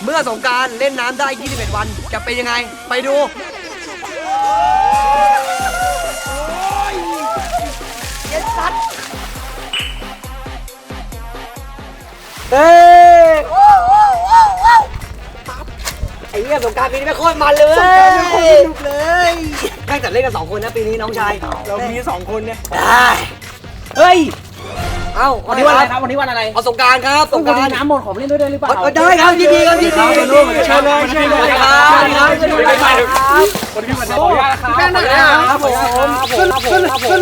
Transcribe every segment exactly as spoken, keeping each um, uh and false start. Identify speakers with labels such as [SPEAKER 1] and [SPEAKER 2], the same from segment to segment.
[SPEAKER 1] เมื่อสงกรานต์เล่นน้ำได้ยี่สิบเอ็ดวันจะเป็นยังไงไปดูเย็นสัตว์เฮ้ยไอ้เหี้ยสงกรานต์ปีนี้ไม่โคตรมันเลยสงกรานต์ไม่โคตรสนุกเลยแค่แต่เล่นกันสองคนนะปีนี้น้องชายเรามีสองคนเนี่ยได้เฮ้ยเอ้าวันนี้วันอะไรครับวันนี้วันอะไรเอาสงกรานต์ครับสงกรานต์น้ำหมดขอเล่นด้วยได้หรือเปล่าได้ครับยินดีครับยินดีเชิญเลยเชิญเลยครับเชิญเลยเชิญเลยครับวันนี้วันขออนุญาตครับแม่หน่อยนะครับผมขึ้นขึ้นขึ้น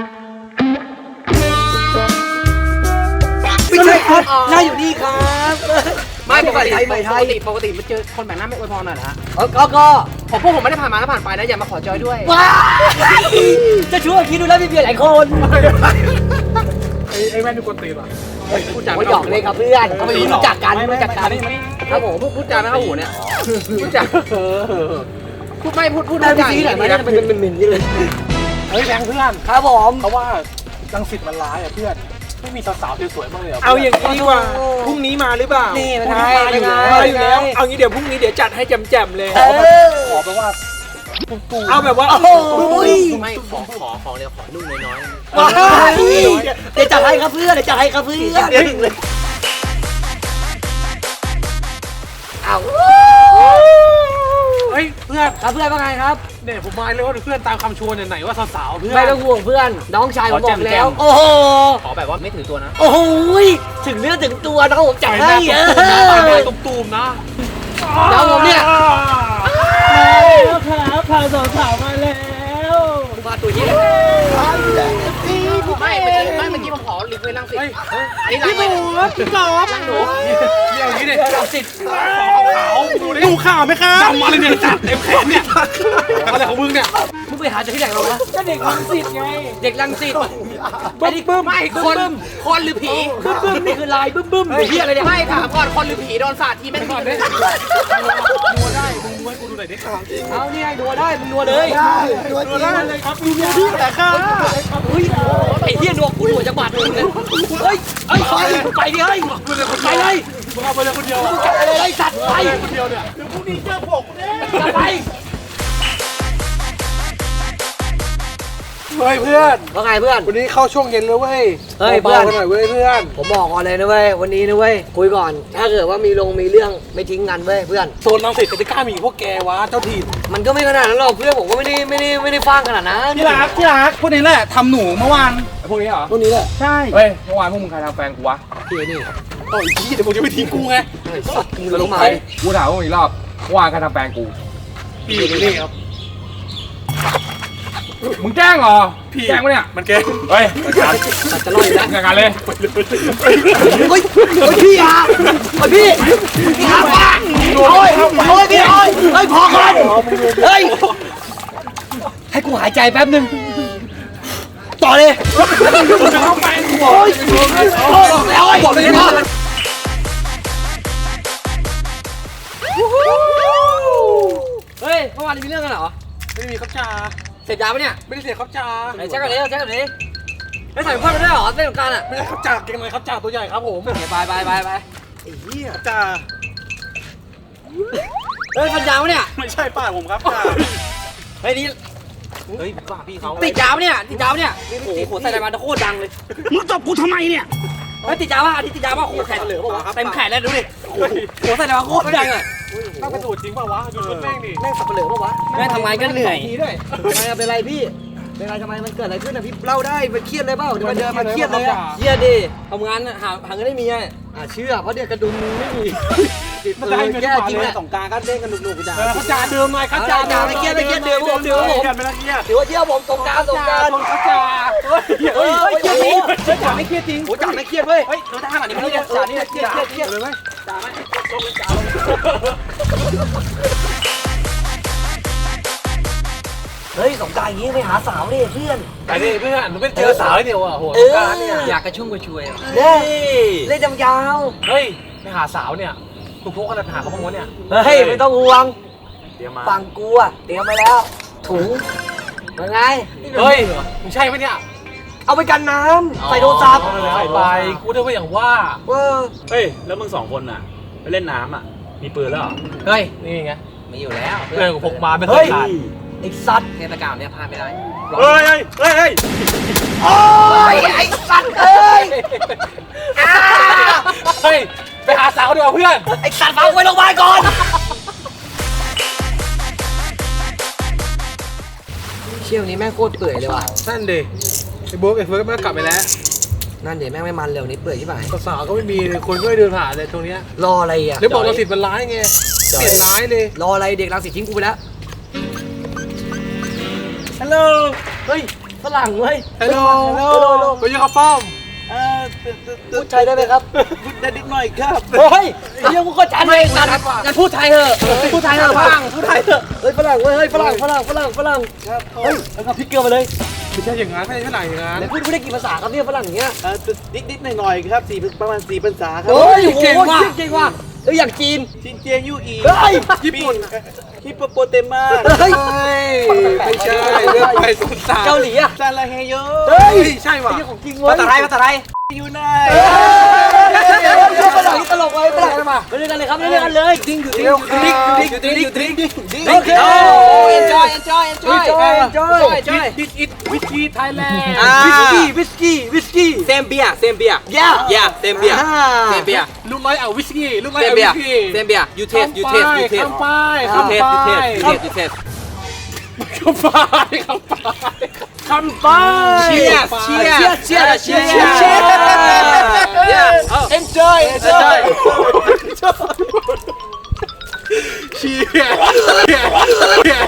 [SPEAKER 1] ไม่ใช่ครับน่าอยู่นี่ครับไม่ปกติไม่ไทยปกติมาเจอคนแบบนั้นไม่อวยพรหน่อยนะฮะก็ก็ผมพวกผมไม่ได้ผ่านมาแล้วผ่านไปนะอย่ามาขอจอยด้วยว้าจะช่วยคิดดูแล้วมีเพียงหลายคน
[SPEAKER 2] ไอ้แม่นี่กวนตีนว่ะ
[SPEAKER 1] พูดจาไม่หยอกเลยครับเพื่อนเขาไม่รู้จักกันรู้จักกันครับผมพูดจาไม่เข้าหูเนี่ยพูดจาพูดไม่พูดพูดได้ที่ไหนมันเป็นเป็นมินนี่เลย
[SPEAKER 2] เฮ้ยแบงเพื่อน
[SPEAKER 1] ครับผม
[SPEAKER 2] เพราะว่ารังสิตมันร้ายอ่ะเพื่อนไม่มีสาวๆสวยๆบ้างเลย
[SPEAKER 3] เอาอย่างนี้ดีกว่าพรุ่งนี้มาหรือเปล่า
[SPEAKER 1] นี่
[SPEAKER 3] มา
[SPEAKER 1] อยู่แล้ว
[SPEAKER 3] มาอยู่แล้วเอางี้เดี๋ยวพรุ่งนี้เดี๋ยวจัดให้แจ่มๆเลย
[SPEAKER 2] ขอแปลว่า
[SPEAKER 3] เอาแบบว่า
[SPEAKER 1] โอ้ย
[SPEAKER 4] ไม่ขอขอของเดียวขอนุ่มน้อย
[SPEAKER 1] ๆเดี๋ยวจัดให้ครับเพื่อนเดี๋ยวจัดให้ครับเพื่อนเอา
[SPEAKER 2] เฮ้ยเพื่อน
[SPEAKER 1] ครับเพื่อนว่าไงครับ
[SPEAKER 2] เนี่ยผมมาเลยว่าเพื่อนตามคำชวนไหนว่าสาวๆเพื่อน
[SPEAKER 1] ไม่ต้องห่วงเพื่อนน้องชายผมบอกแล้วโอ้โห
[SPEAKER 4] ขอแบบว่าไม่ถือตัวนะ
[SPEAKER 1] โอ้โหถึงเนื้อถึงตัวน้องผมจัดให้เออ
[SPEAKER 2] ตูมๆนะ
[SPEAKER 1] น้องผมเนี่ย
[SPEAKER 2] ครับพาสาวๆมาแล้ว
[SPEAKER 1] มาตัวนี้
[SPEAKER 4] ไม่เมื่อกี้ไม่เมื่อกี้ผมขอลิฟต์ไว้นั่งสิอันนี้
[SPEAKER 2] พี่หมูพี่กอบ
[SPEAKER 4] นั่งหนู
[SPEAKER 2] เดี๋ยวนี้เนี่ยสิทธิ์ขาวดูดิดูข่าวไหมครับจำมาเลยเนี่ยจัดเต็มแขนเนี่ยอะไรของมึงเนี่ย
[SPEAKER 1] มึงไปหาจากที่ไหนมา
[SPEAKER 2] ก็เด็กรังสิตไง
[SPEAKER 1] เด็กรังสิต
[SPEAKER 4] ไอ้ดิบึ้มไม่คนคนหรือผี
[SPEAKER 1] บึ้มบึ้มนี่คือลายบึ้มบึ้มไอ้เหี้ยอะไรเนี่ย
[SPEAKER 4] ไม่ถามก่อนคนหรือผีโดนสาดทีไม่ก่อนเลย
[SPEAKER 2] นัวได้มึงม้วนกูดูหน่อยดิ
[SPEAKER 1] เอานี่ไงนัวได้มึงนัวเลย
[SPEAKER 2] นัวได้เลยครับดูเนี่ยพี่แต่ครับ
[SPEAKER 1] เฮ้ยไอ้เหี้ยนัวกูนัวจะบาดมึงเลยเฮ้ยเฮ้ยไปดิเฮ้ยไปเลย
[SPEAKER 2] มึงเอาไปเลยคนเดียว
[SPEAKER 1] มึงจับอะไรไอ้สัตว์ไป
[SPEAKER 2] คนเดียวเนี่ยเดี๋ยวพรุ่งนี้เจอผม
[SPEAKER 1] เนี่ยไป
[SPEAKER 2] เฮ้ยเพื่อน
[SPEAKER 1] ว่าไงเพื่อน
[SPEAKER 2] วันนี้เข้าช่วงเย็นเลยเว้ย
[SPEAKER 1] เฮ้ยเพื่อน
[SPEAKER 2] หน่อยเว้ยเพื่อน
[SPEAKER 1] ผมบอกก่อนเลยนะเว้ยวันนี้นะเว้ยคุยก่อนถ้าเกิดว่ามีลงมีเรื่องไม่ทิ้งกันเว้ยเพื่อน
[SPEAKER 2] โซนรังสิตจะกล้ามีพวกแกวะเจ้าถิ่น
[SPEAKER 1] มันก็ไม่ขนาดนั้นหรอกเพื่อนผมก็ไม่ได้ไม่ได้ไม่ได้ฟังขนาดนั้น
[SPEAKER 2] ที่รักที่รักพวกนี้แหละทำหนูเมื่อวานพวกนี้เหรอ
[SPEAKER 1] พวกนี้แหละ
[SPEAKER 2] ใช่เฮ้ยเมื่อวานพวกมึงใครทำแฟนกูวะพี่นี่โอ้ยพี่เดี๋ยวมึงจะไปทิ้งกูไง
[SPEAKER 1] มึงจะลงมา
[SPEAKER 2] กูถามพวกนี้รอบเมื่อวานใครทำแฟนกูพี่นี่ครับมึงแกล้งเหรอพี่แกล้งปะเนี่ยมันแกล้งเฮ้ย
[SPEAKER 1] จะลอยแล้ว
[SPEAKER 2] งานเลย
[SPEAKER 1] เฮ้ยเฮ้ยพี่อ่ะพี่พี่อ่ะโอ้ยโอ้ยพี่โอ้ยเฮ้ยพอก่อนเฮ้ยให้กูหายใจแป๊บนึงต่อเลย
[SPEAKER 2] เข้าไป
[SPEAKER 1] โอ้ยแล้วบอกเลยนะเฮ้ยเมื่อวานมีเรื่องกันเหรอ
[SPEAKER 2] ไม่มีครับจ่า
[SPEAKER 1] เสพยาปะเนี่ย
[SPEAKER 2] ไม่ได้เสพครับจ่า
[SPEAKER 1] ไหนแจ็คกันเลยแจ็คกันเลยไม่ใส่ผ้าไม่ได้หรอเส้นของการอ่ะ
[SPEAKER 2] ไม่ใช่ครับจ่าเก่งเลยครับจ่าตัวใหญ่ครับผม
[SPEAKER 1] ไปไปไปไปไปไอ้เหี้ย
[SPEAKER 2] จ่า
[SPEAKER 1] เฮ้ยฟันยาวเนี่ย
[SPEAKER 2] ไม่ใช่ป้าผมครับจ่า
[SPEAKER 1] เฮ้ยนี่
[SPEAKER 2] เฮ้ยป้าพี่เขา
[SPEAKER 1] ติดยาวเนี่ยติดยาวเนี่ยโอ้โหใส่อะไรมาโคตรดังเลย
[SPEAKER 2] มึงตบกูทำไมเนี่ย
[SPEAKER 1] เฮ้ยติดยาวป่ะติดยาวป่ะโอ้แขนเหลือป่ะวะเต็มแขนแล้วดูดิโอ้โหใส่อะไรมาโคตรดังอ่ะ
[SPEAKER 2] ต้องกระโดดจริงป่ะวะดูชุดแม่งดิ
[SPEAKER 1] แม่งสับเหลือป่ะวะแม่งทำงานก็เหนื่อยไม่เป็นไรพี่เป็นไรทำไมมันเกิดอะไรขึ้นนะพี่เล่าได้มันเครียดเลยเปล่าเดี๋ยวมันเดินมาเครียดเลยอะเครียดดิทำงานหาหาเงินได้มีอ่ะเชื่อเพราะเดี๋ยวกระดุมไม่มี
[SPEAKER 2] มันได้เงินจริงแหละ
[SPEAKER 1] สงการก็เล่นกันหนุกๆจ้า
[SPEAKER 2] เขาจ่าเดิมหน่อยเขาจ่า
[SPEAKER 1] จ่าไม่เครียดไม่เครียดเดิมผมเดิมผมถือว่าเที่ยวผมสงการสงการ
[SPEAKER 2] เขาจ่าเฮ้ยเครียดจริงจ่าไม่เครียดจริง
[SPEAKER 1] โอ้จ่าไม่เครียดเว้ย
[SPEAKER 2] เฮ้ยเราจะทำอะไรไม่ได้จ่านี่เครียดเครียดเครียดเลยไหมจ่าไหมลงเลยจ่าลง
[SPEAKER 1] เฮ้ยสงการอย่างนี้ไปหาสาวดิเพื่อน
[SPEAKER 2] ไปดิเพื่อนมึงไม่เจอสาวเดียวอ่ะโหสงการเนี่ย
[SPEAKER 4] อยากกระชุ่มกระชวย
[SPEAKER 1] เล่เล่นยาว
[SPEAKER 2] เฮ้ยไปหาสาวเนี่ยกูพกอะไรไปหาเขาบ้างวะเนี่ย
[SPEAKER 1] เฮ้ยไม่ต้องห่วงฝั่งกูอะเตรียมไปแล้วถุงยังไง
[SPEAKER 2] เฮ้ยมึงใช่ไหมเนี่ย
[SPEAKER 1] เอาไปกันน้ำใส่โทรศัพท์
[SPEAKER 2] ใส่ไปกูได้ว่าอย่างว่า
[SPEAKER 1] เออ
[SPEAKER 3] เฮ้ยแล้วมึงสองคนน่ะไปเล่นน้ำอ่ะ
[SPEAKER 2] มีปืนแล้วเหรอ
[SPEAKER 4] เฮ้ย
[SPEAKER 2] นี่ไง
[SPEAKER 4] มีอยู่แล้ว
[SPEAKER 2] เพื่อนกูพกมาไม่เค
[SPEAKER 1] เฮ้
[SPEAKER 2] ย
[SPEAKER 1] ย
[SPEAKER 2] ขาด
[SPEAKER 1] ไอ้สัตว์
[SPEAKER 4] เทศกาลเนี่ยพลาดไม่ได้
[SPEAKER 2] เฮ้ยเฮ้ยเฮ้ยเฮ้ย
[SPEAKER 1] โอ้ยไอ้สัตว์เอ้ยอ้า
[SPEAKER 2] เฮ้ยไปหาสาวดีกว่าเพื่อน
[SPEAKER 1] ไอ้สัตว์ฟังไว้โรงพยาบาลก่อนเชี่ยวนี้แม่งโคตรเปื่อยเลยว่ะ
[SPEAKER 2] นั่นดิไอ้บุ๊กไอ้เฟิร์สมันกลับไปแล้ว
[SPEAKER 1] นั่นเดี๋ยวแม่งไม่มันเร็วนี้เปื่อยใช่ไหม
[SPEAKER 2] สาวๆก็ไม่มีเลยคนก็ไม่เดินผ่านเลยตรงเนี้ย
[SPEAKER 1] รออะไรอ่ะ
[SPEAKER 2] หรือบอกเราสิทธิ์มันร้ายไงเปลี่ยนร้ายเลย
[SPEAKER 1] รออะไรเด็กรังสิตทิ้งกูไปแล้ว
[SPEAKER 2] ฮัลโหล
[SPEAKER 1] เฮ้ยฝรั่งเว้ย
[SPEAKER 2] ฮัลโหล
[SPEAKER 1] ฮัลโหลฮัลโหล
[SPEAKER 2] ไปยังข้าวป้อม
[SPEAKER 1] พูดไทยได้ไหมครับ
[SPEAKER 3] พูดได้นิดหน่อยครับ
[SPEAKER 1] เฮ้ยไอ้เรื่องกูก็จันเลยสัตว์
[SPEAKER 4] งั้นพูดไทยเถอะพูดไทยเถอะ
[SPEAKER 1] ฝ
[SPEAKER 4] พั
[SPEAKER 1] รั่
[SPEAKER 4] ง
[SPEAKER 1] งพูดไทยเถอะเฮ้ยฝรั่งเว้ยเฮ้ยฝรั่งฝรั่งฝรั่งฝรั่งเฮ้ยแล้วก็พริกเกลือมาเลย
[SPEAKER 2] ไม่ใช่อย่างนั้นไม่ใช่ขนาดอย่างนั้น
[SPEAKER 1] ไหนพูดไม่ได้กี่ภาษาครับเนี่ยฝรั่งเนี้ย
[SPEAKER 3] นิดนิดหน่อยหน่อยครับสี่ประมาณสี่ภาษาครับ
[SPEAKER 1] โอ้ยเก่งว่ะเก่งว่ะเอ้ยอย่างจีน
[SPEAKER 3] ชินเจียงยูอี
[SPEAKER 1] เฮ้ย
[SPEAKER 3] ญี่ปุ่นฮิปโปโปเตมา
[SPEAKER 1] เฮ้ย
[SPEAKER 2] ไม่ใช่เรื่องไปสุดสา
[SPEAKER 1] เกาหลีอ่ะ
[SPEAKER 3] ซาลาเฮโย
[SPEAKER 1] เฮ้ย
[SPEAKER 2] ใช่ว่ะ
[SPEAKER 1] ไอ้เรื่องของจริงเว้ย
[SPEAKER 4] ภาษาไทยภาษาไทย
[SPEAKER 3] ยูไน
[SPEAKER 1] เฮ้ยฝรั่งนี่ตลกไว้ฝรั่งมาเล่นกันเลยครับเล่นกันเลยดิ้งอยู่ดิ้งอยู่ดิ้งอยู่ดิ้งอยู่ดิ้งอยู่ดิ้งโอเค
[SPEAKER 4] โอ้ enjoy enjoy enjoy
[SPEAKER 1] enjoy enjoy
[SPEAKER 4] enjoy
[SPEAKER 2] ดิสอิทวิสกี้ไทยแลนด์
[SPEAKER 1] วิสกี้วิสกี้วิสกี้
[SPEAKER 4] เซมเบียเซมเบีย
[SPEAKER 1] yeah
[SPEAKER 4] yeah เซมเบียเซมเบีย
[SPEAKER 2] ลูกน้อยเอาวิสกี้ลูกน้อย
[SPEAKER 4] เซม
[SPEAKER 2] เอา
[SPEAKER 4] เบี
[SPEAKER 2] วิ
[SPEAKER 4] ย
[SPEAKER 2] สกี้
[SPEAKER 4] เซมเบีย you taste you taste you taste
[SPEAKER 2] ข้ามไป
[SPEAKER 4] you
[SPEAKER 2] ข้าม
[SPEAKER 4] taste
[SPEAKER 2] ไป
[SPEAKER 4] you taste you taste
[SPEAKER 2] ข้ามไปข้ามไปข้ามไป
[SPEAKER 4] cheers cheers cheers cheers
[SPEAKER 1] cheers
[SPEAKER 4] yeah
[SPEAKER 1] enjoy enjoy
[SPEAKER 2] เชียร์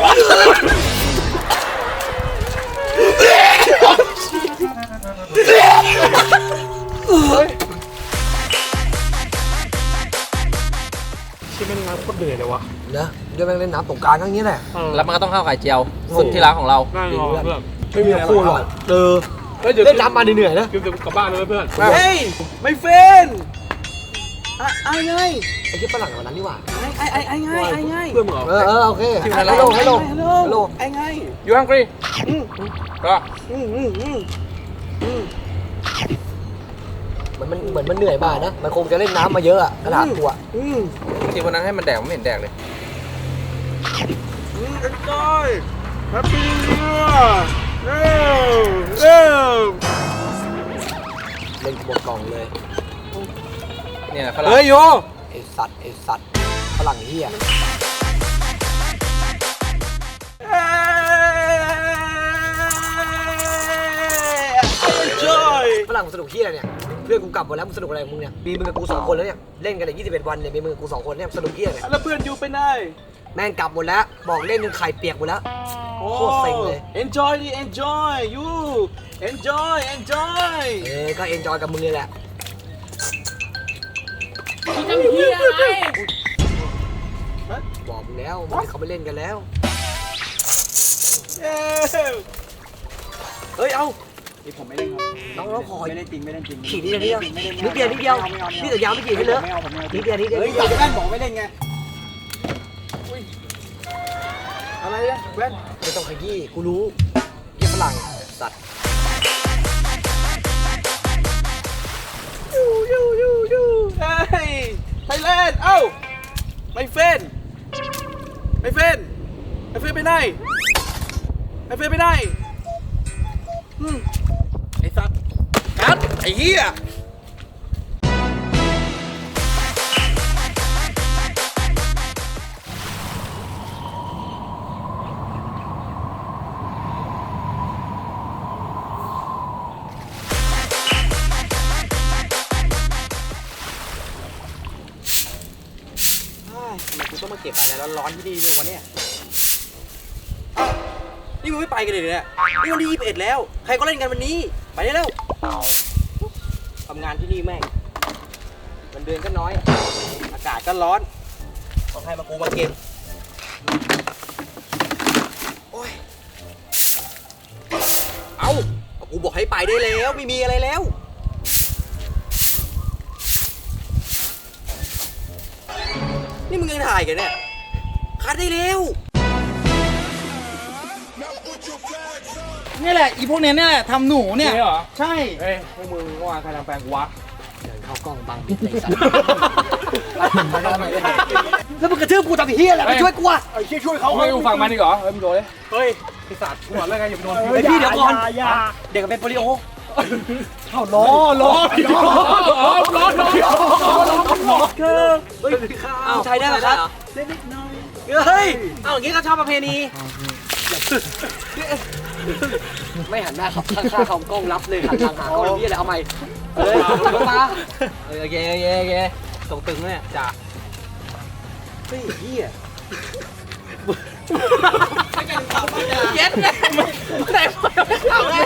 [SPEAKER 2] ชิเป็นงานโคตรเหนื่อยเลยวะ
[SPEAKER 1] นะเดี๋ยวแม่งเล่นน้ำสงกรานต์ก็อย่างนี้แหละ
[SPEAKER 4] แล้วมันก็ต้องข้าวไข่เจียวสุดที่รักของเรา
[SPEAKER 2] นั่งรอเพื่อน
[SPEAKER 1] ไม่มีคู่หรอกเออ
[SPEAKER 2] เฮ้ยเดี๋ยว
[SPEAKER 1] เล่นน้ำมาเหนื่อยๆนะ
[SPEAKER 2] เดี๋ยวกลับบ้านเลยเพื่อน
[SPEAKER 3] เฮ้ยไม่เฟนไอ้ไง
[SPEAKER 1] ไอ้ที่ฝรั่งวันนั้นนี่หว่า
[SPEAKER 3] ไอ้ไอ้ไอ้ไงไอ้ไง
[SPEAKER 2] เพื่อนมึงเหรอ
[SPEAKER 1] เออเออโอเค
[SPEAKER 2] ที่ไหน
[SPEAKER 1] ฮัล
[SPEAKER 2] ล่ะ
[SPEAKER 1] โหลฮัลโหล
[SPEAKER 3] ฮัลโหล
[SPEAKER 1] ฮัลโหล
[SPEAKER 3] ไอ้ไง
[SPEAKER 2] อยู่ฮังกรีก็
[SPEAKER 3] อืมอืมอืมอืม
[SPEAKER 1] เหมือนมันเหมือนมันเหนื่อยมานะมันคงจะเล่นน้ำมาเยอะอะขนาดตัว
[SPEAKER 3] อืม
[SPEAKER 4] ที่วันนั้นให้มันแดกไม่เห็นแดกเลย
[SPEAKER 3] อืม enjoy happy new year เร็วเร็ว
[SPEAKER 1] เล่นหมดกล่องเลย
[SPEAKER 4] เนี่ยฝรั่ง
[SPEAKER 3] เฮ้ยโย
[SPEAKER 1] ไอสัตว์ไอสัตว์ฝรั่งเฮีย
[SPEAKER 3] enjoy
[SPEAKER 1] ฝรั่งมันสนุกเฮียอะไรเนี่ยเพื่อนกูกลับหมดแล้วมึงสนุกอะไรของมึงเนี่ยมีมึงกับกูสองคนแล้วเนี่ยเล่นกันเลยยี่สิบเอ็ดวันเนี่ยมีมึงกับกูสองคนเนี่ยสนุกเฮียเนี่ย
[SPEAKER 3] แล้วเพื่อนอยู่ไปไหน
[SPEAKER 1] แม่งกลับหมดแล้วบอกเล่นจนไข่เปียกหมดแล้ว
[SPEAKER 3] โอ้
[SPEAKER 1] โคตรเซ็งเลย
[SPEAKER 3] enjoy ดิ enjoy you enjoy enjoy
[SPEAKER 1] เออก็เอนจอยกับมึงเลยแหละ
[SPEAKER 4] จะมีที่อะไร
[SPEAKER 1] บอกมึงแล้วมันเขาไปเล่นกันแล้ว
[SPEAKER 3] เย้เฮ้ย เอานี่ผมไม่เล่นครับ
[SPEAKER 1] น้องน้องขอ
[SPEAKER 3] ไม่เล่นจริงไม่เล่นจริง
[SPEAKER 1] ขี่นิดเดียวนิดเดียวนิดเดียวนิดเดียวนี่แต่ยาวไม่กี่ให้เลอะ
[SPEAKER 3] ไม่เอาผมไม่เอา
[SPEAKER 1] นิดเดียวนิดเดียว
[SPEAKER 3] เฮ้ย
[SPEAKER 1] นิดเดียว
[SPEAKER 3] แว่นบอกไม่เล่นไงอุ้ยอะไรเนี่ยแว่น
[SPEAKER 1] ไม่ต้องขยี้กูรู้เฮียฝรั่งสัตว์
[SPEAKER 3] ยูยูยูยูเฮ้ยไทยแลนด์เอ้าไม่เฟนไม่เฟนไม่เฟนไปไหนไม่เฟนไปไหนอืมไอ้สัตว์กัดไอ้เหี้ย ทำไมกูต้องมาเก็บอะไรร้อนๆที่นี่ด้วยวะเนี่ยอ้าวนี่มึงไม่ไปกันเลยเนี่ยนี่วันที่ยี่สิบเอ็ดแล้ว ใครก็เล่นกันวันนี้ ไปได้แล้วทำงานที่นี่แม่งเงินเดือนก็น้อย อากาศก็ร้อนต้องให้มากูมาเก็บโอ้ย เอากูบอกให้ไปได้แล้ว ไม่มีอะไรแล้ว นี่มึงยังถ่ายกันเนี่ย คัดได้เร็ว
[SPEAKER 5] นี่แหละอีพวกเนี้ยเนี่ยแหละทำหนูเนี่ย
[SPEAKER 2] นี่เหรอ
[SPEAKER 5] ใช่
[SPEAKER 2] เฮ้ยพวกมึงว่าใครทำแปลงกูวะ
[SPEAKER 1] เดินเข้ากล้องบังปิดเลยสัตว์แล้วมึงกระทืบกูทำเฮียอะไรมาช่วยกูอ่ะ
[SPEAKER 2] ไอ้เชี่ยช่วยเขาให้กูฟังมาดิเหรอเฮ้ยมึงโดนเลยเฮ้ยไอ้สัตว์กูบอกแล้วไงอย่าไปโดน
[SPEAKER 1] ไอพี่เดี๋ยวก่อนเด็กเป็นโปลิโอ
[SPEAKER 2] ล้อล้อล้อล้อล้อล้อล้อ
[SPEAKER 1] เฮ้ยเอาใช้ได้ไหมครับเฮ้ยเอาอย่างงี้ก็ชอบประเพณีไม่หันหน้าครับข้างๆเขากล้องรับเลยหันทางหากล้องพี่อะไรเอาใหม่เฮ้ยมา
[SPEAKER 4] เออโอเคโอเคโอเคส่งตึงเนี่ยจ้า
[SPEAKER 1] เฮ้ยเฮีย
[SPEAKER 4] เย็ดเลยไหนเอาเลย